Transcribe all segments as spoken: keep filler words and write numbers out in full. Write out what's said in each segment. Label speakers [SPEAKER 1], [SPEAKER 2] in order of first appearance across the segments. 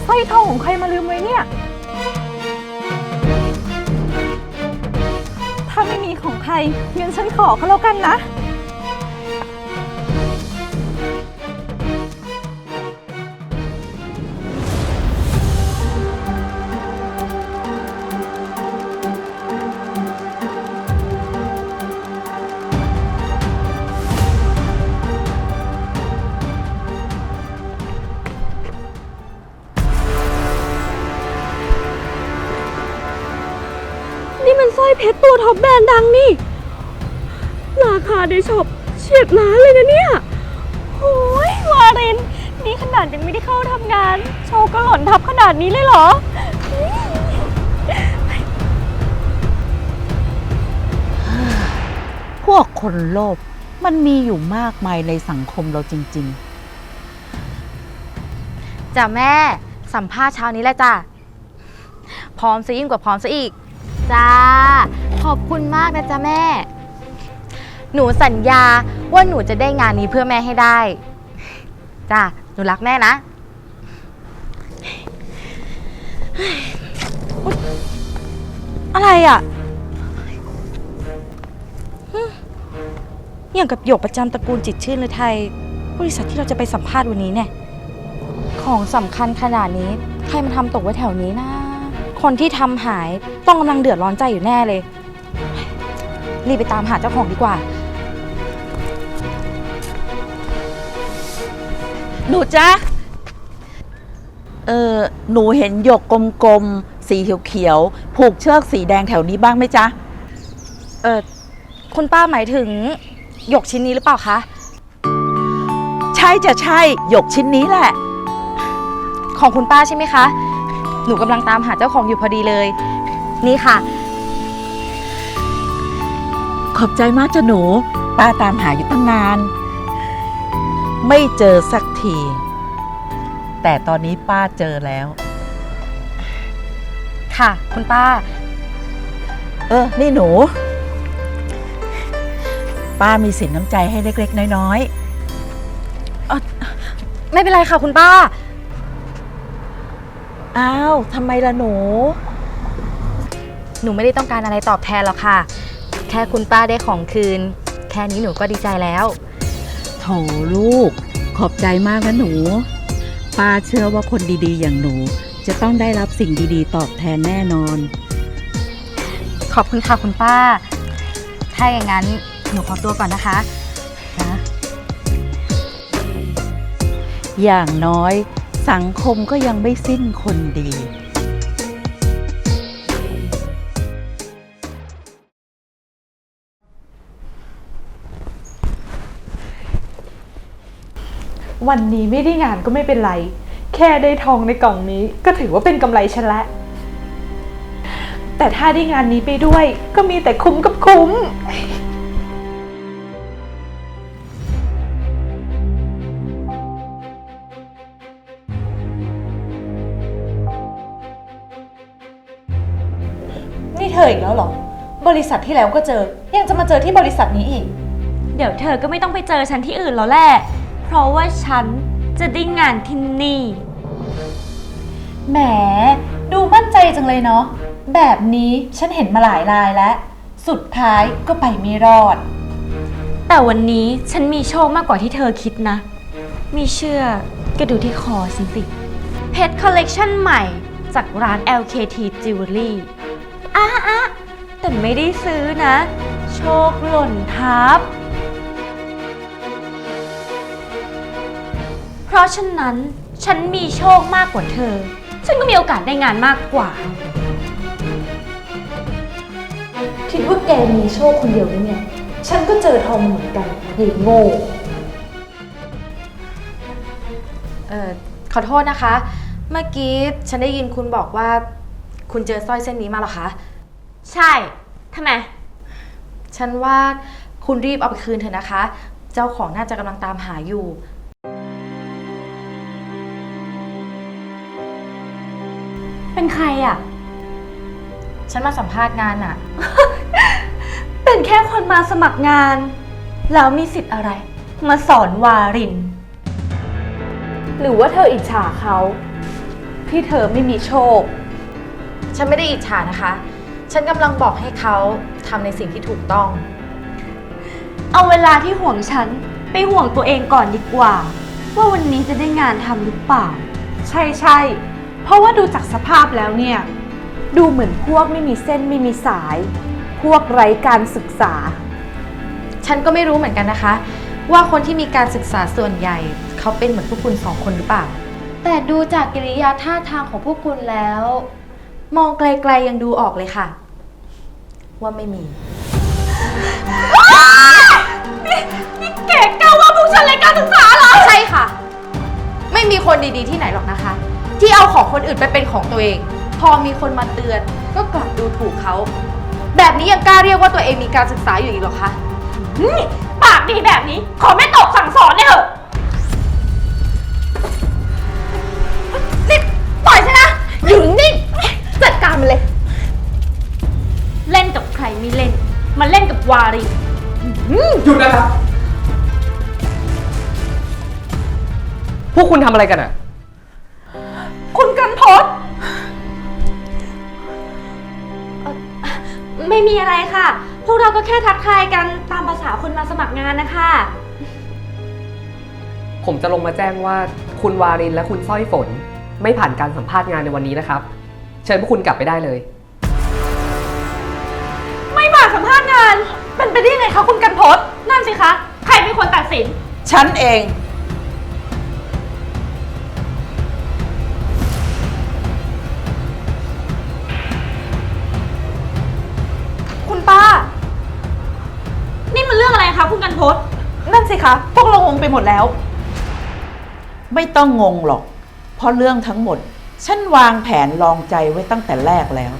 [SPEAKER 1] สร้อยทองของใครมาลืมไว้เนี่ยถ้าไม่มีของใครงั้นฉันขอเขาแล้วกันนะนี่มันสร้อยเพชรตัวท็อปแบรนด์ดังนี่ราคาในช็อปเฉียดล้านเลยนะเนี่ยโอ้ยวารินนี่ขนาดยังไม่ได้เข้าทำงานโชว์ก็หล่นทับขนาดนี้เลยเหรอ
[SPEAKER 2] พวกคนโลภมันมีอยู่มากมายในสังคมเราจริง
[SPEAKER 3] จ้ะแม่สัมภาษณ์เช้านี้แหละจ้ะพร้อมซะยิ่งกว่าพร้อมซะอีกจ้าขอบคุณมากนะจ๊ะแม่หนูสัญญาว่าหนูจะได้งานนี้เพื่อแม่ให้ได้จ้าหนูรักแม่นะอะไรอ่ะอย่างกับหยกประจำตระกูลจิตชื่นหรือไทยบริษัทที่เราจะไปสัมภาษณ์วันนี้เนี่ยของสำคัญขนาดนี้ใครมาทำตกไว้แถวนี้นะคนที่ทำหายต้องกำลังเดือดร้อนใจอยู่แน่เลยรีบไปตามหาเจ้าของดีกว่า
[SPEAKER 2] ๆหนูจ๊ะเออหนูเห็นหยกกลมๆสีเขียวๆผูกเชือกสีแดงแถวนี้บ้างไหมจ๊ะ
[SPEAKER 3] เออคุณป้าหมายถึงหยกชิ้นนี้หรือเปล่าคะ
[SPEAKER 2] ใช่จะใช่หยกชิ้นนี้แหละ
[SPEAKER 3] ของคุณป้าใช่ไหมคะหนูกำลังตามหาเจ้าของอยู่พอดีเลยนี่ค่ะ
[SPEAKER 2] ขอบใจมากจ้ะหนูป้าตามหาอยู่ตั้งนานไม่เจอสักทีแต่ตอนนี้ป้าเจอแล้ว
[SPEAKER 3] ค่ะคุณป้า
[SPEAKER 2] เออนี่หนูป้ามีสินน้ำใจให้เล็กๆน้อยๆเออ
[SPEAKER 3] ไม่เป็นไรค่ะคุณป้า
[SPEAKER 2] อ้าวทำไมล่ะหนู
[SPEAKER 3] หนูไม่ได้ต้องการอะไรตอบแทนหรอกค่ะแค่คุณป้าได้ของคืนแค่นี้หนูก็ดีใจแล้ว
[SPEAKER 2] โถลูกขอบใจมากนะหนูป้าเชื่อว่าคนดีๆอย่างหนูจะต้องได้รับสิ่งดีๆตอบแทนแน่นอน
[SPEAKER 3] ขอบคุณค่ะคุณป้าถ้าอย่างนั้นหนูขอตัวก่อนนะคะนะ
[SPEAKER 2] อย่างน้อยสังคมก็ยังไม่สิ้นคนดี
[SPEAKER 1] วันนี้ไม่ได้งานก็ไม่เป็นไรแค่ได้ทองในกล่องนี้ก็ถือว่าเป็นกำไรฉันละแต่ถ้าได้งานนี้ไปด้วยก็มีแต่คุ้มกับคุ้มนี่เธออีกแล้วเหรอบริษัทที่แล้วก็เจอยังจะมาเจอที่บริษัทนี้อีกเดี๋ยวเธอก็ไม่ต้องไปเจอฉันที่อื่นแล้วแหละเพราะว่าฉันจะได้งานที่นี่แหมดูมั่นใจจังเลยเนาะแบบนี้ฉันเห็นมาหลายรายแล้วสุดท้ายก็ไปไม่รอดแต่วันนี้ฉันมีโชคมากกว่าที่เธอคิดนะมีเชื่อก็ดูที่คอฉันสิเพชรคอลเลกชันใหม่จากร้าน แอล เค ที Jewelry อ่ะอ่ะแต่ไม่ได้ซื้อนะโชคหล่นทับเพราะฉะนั้นฉันมีโชคมากกว่าเธอฉันก็มีโอกาสได้งานมากกว่าคิดว่าแกมีโชคคนเดียวนี่ไงฉันก็เจอทองเหมือนกันยิ่งโง่
[SPEAKER 3] เอ่อขอโทษนะคะเมื่อกี้ฉันได้ยินคุณบอกว่าคุณเจอสร้อยเส้นนี้มาเหรอคะ
[SPEAKER 1] ใช่ทำไม
[SPEAKER 3] ฉันว่าคุณรีบเอาไปคืนเถอะนะคะเจ้าของน่าจะกำลังตามหาอยู่
[SPEAKER 1] เป็นใครอ่ะ
[SPEAKER 3] ฉันมาสัมภาษณ์งานอ่ะ
[SPEAKER 1] เป็นแค่คนมาสมัครงานแล้วมีสิทธิ์อะไรมาสอนวารินหรือว่าเธออิจฉาเขาพ
[SPEAKER 4] ที่เธอไม่มีโชค
[SPEAKER 3] ฉันไม่ได้อิจฉานะคะ ฉันกำลังบอกให้เขาทำในสิ่งที่ถูกต้อง
[SPEAKER 1] เอาเวลาที่ห่วงฉันไปห่วงตัวเองก่อนดีกว่า ว่าวันนี้จะได้งานทำหรือเปล่า
[SPEAKER 4] ใช่ใช่เพราะว่าดูจากสภาพแล้วเนี่ย ดูเหมือนพวกไม่มีเส้นไม่มีสาย พวกไร้การศึกษา
[SPEAKER 3] ฉันก็ไม่รู้เหมือนกันนะคะ ว่าคนที่มีการศึกษาส่วนใหญ่ เขาเป็นเหมือนพวกคุณสองคนหรือเปล่า แต่ดูจากกิริยาท่าทางของพวกคุณแล้ว มองไกลๆยังดูออกเลยค่ะ ว่าไม่มี
[SPEAKER 1] นี่แกกล้าว่าพวกฉันไร้การศึกษาเหรอ
[SPEAKER 3] ใช่ค่ะ ไม่มีคนดีๆที่ไหนหรอกนะคะ ที่เอาของคนอื่นไปเป็นของตัวเอง พอมีคนมาเตือนก็กลับดูถูกเขา แบบนี้ยังกล้าเรียกว่าตัวเองมีการศึกษาอยู่อีกเหรอคะ
[SPEAKER 1] นี่ปากดีแบบนี้ ขอไม่ตกสั่งสอนเนี่ยเถอะนี่ปล่อยฉันนะอยู่นิ่งจัดการมันเลย เล่นกับใครไม่เล่น มาเล่นกับวารี
[SPEAKER 5] หยุดนะครับ พวกคุณทำอะไรกันอ่ะ
[SPEAKER 4] คุณกันพศ
[SPEAKER 1] ไม่มีอะไรค่ะ พวกเราก็แค่ทักทายกันตามภาษาคนมาสมัครงานนะคะ
[SPEAKER 5] ผมจะลงมาแจ้งว่าคุณวารินและคุณสร้อยฝน ไม่ผ่านการสัมภาษณ์งานในวันนี้นะครับ เชิญพวกคุณกลับไปได้เลย
[SPEAKER 1] ไม่มาสัมภาษณ์งาน เป็นไปได้ยังไงคะคุณกันพศนั่นสิคะ ใครเป็นคนตัดสิน
[SPEAKER 2] ฉันเอง
[SPEAKER 4] คุณป้า
[SPEAKER 1] นี่มันเรื่องอะไรคะคุณกันพศ
[SPEAKER 4] นั่นสิคะ พวกเรางงไปหมดแล้ว
[SPEAKER 2] ไม่ต้องงงหรอก เพราะเรื่องทั้งหมด ฉันวางแผนลองใจไว้ตั้งแต่แรกแล้ว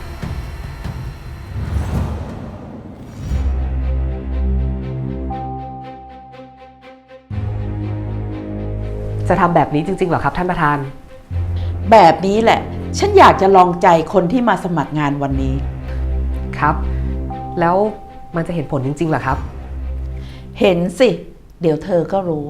[SPEAKER 5] จะทำแบบนี้จริงๆเหรอครับท่านประธาน
[SPEAKER 2] แบบนี้แหละ ฉันอยากจะลองใจคนที่มาสมัครงานวันนี้
[SPEAKER 5] ครับ แล้วมันจะเห็นผลจริงๆเหรอครับ
[SPEAKER 2] เห็นสิ เดี๋ยวเธอก็รู้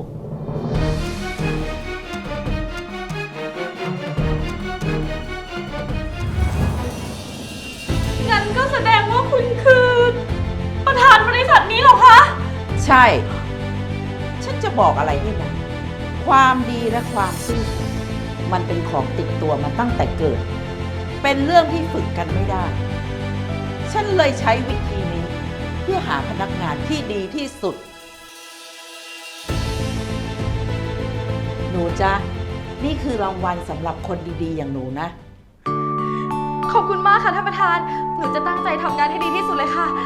[SPEAKER 1] งั้นก็แสดงว่าคุณคือ ประธานบริษัทนี้เหรอคะ
[SPEAKER 2] ใช่ ฉันจะบอกอะไรให้นะ ความดีและความซื่อสัตย์มันเป็นของติดตัวมาตั้งแต่เกิด เป็นเรื่องที่ฝึกกันไม่ได้ ฉันเลยใช้วิธีนี้ เพื่อหาพนักงานที่ดีที่สุด หนูจ๊ะ นี่คือรางวัลสำหรับคนดีๆ อย่างหนูนะ
[SPEAKER 3] ขอบคุณมากค่ะท่านประธาน หนูจะตั้งใจทำงานให้ดีที่สุดเลยค่ะ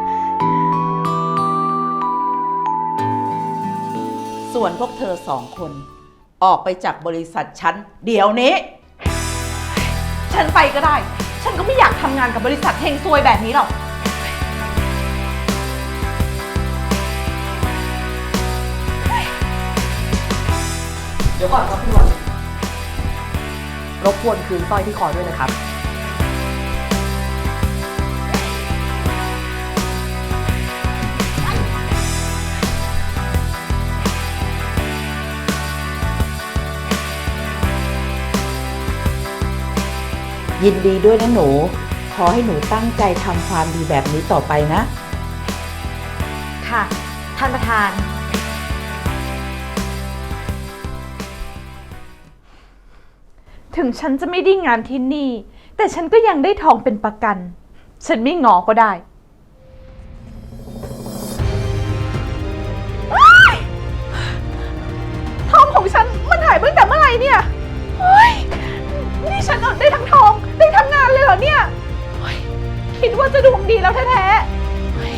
[SPEAKER 2] ส่วนพวกเธอสองคน ออกไปจากบริษัทฉันเดี๋ยวนี้
[SPEAKER 4] ฉันไปก็ได้ ฉันก็ไม่อยากทำงานกับบริษัทเฮงซวยแบบนี้หรอก
[SPEAKER 5] เดี๋ยวก่อนครับคุณวารินรบกวนคืนสร้อยที่คอด้วยนะครับ
[SPEAKER 2] ยินดีด้วยนะหนู ขอให้หนูตั้งใจทำความดีแบบนี้ต่อไปนะ
[SPEAKER 3] ค่ะ ท่านประธาน
[SPEAKER 4] ถึงฉันจะไม่ได้งานที่นี่ แต่ฉันก็ยังได้ทองเป็นประกัน ฉันไม่งอก็ได้ว้ายทองของฉันมันหายไปตั้งแต่เมื่อไหร่เนี่ยเฮ้ยนี่ฉันเอาได้ทั้งทองได้ทั้งงานเลยเหรอเนี่ยเฮ้ยคิดว่าจะดวงดีแล้วแท้ๆเฮ้ย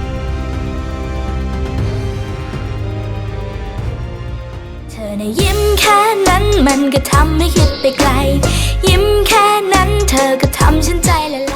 [SPEAKER 6] เธอในะยิ้มแค่นั้นมันก็ทำให้คิดไปไกล ยิ้มแค่นั้นเธอก็ทำฉันใจละลาย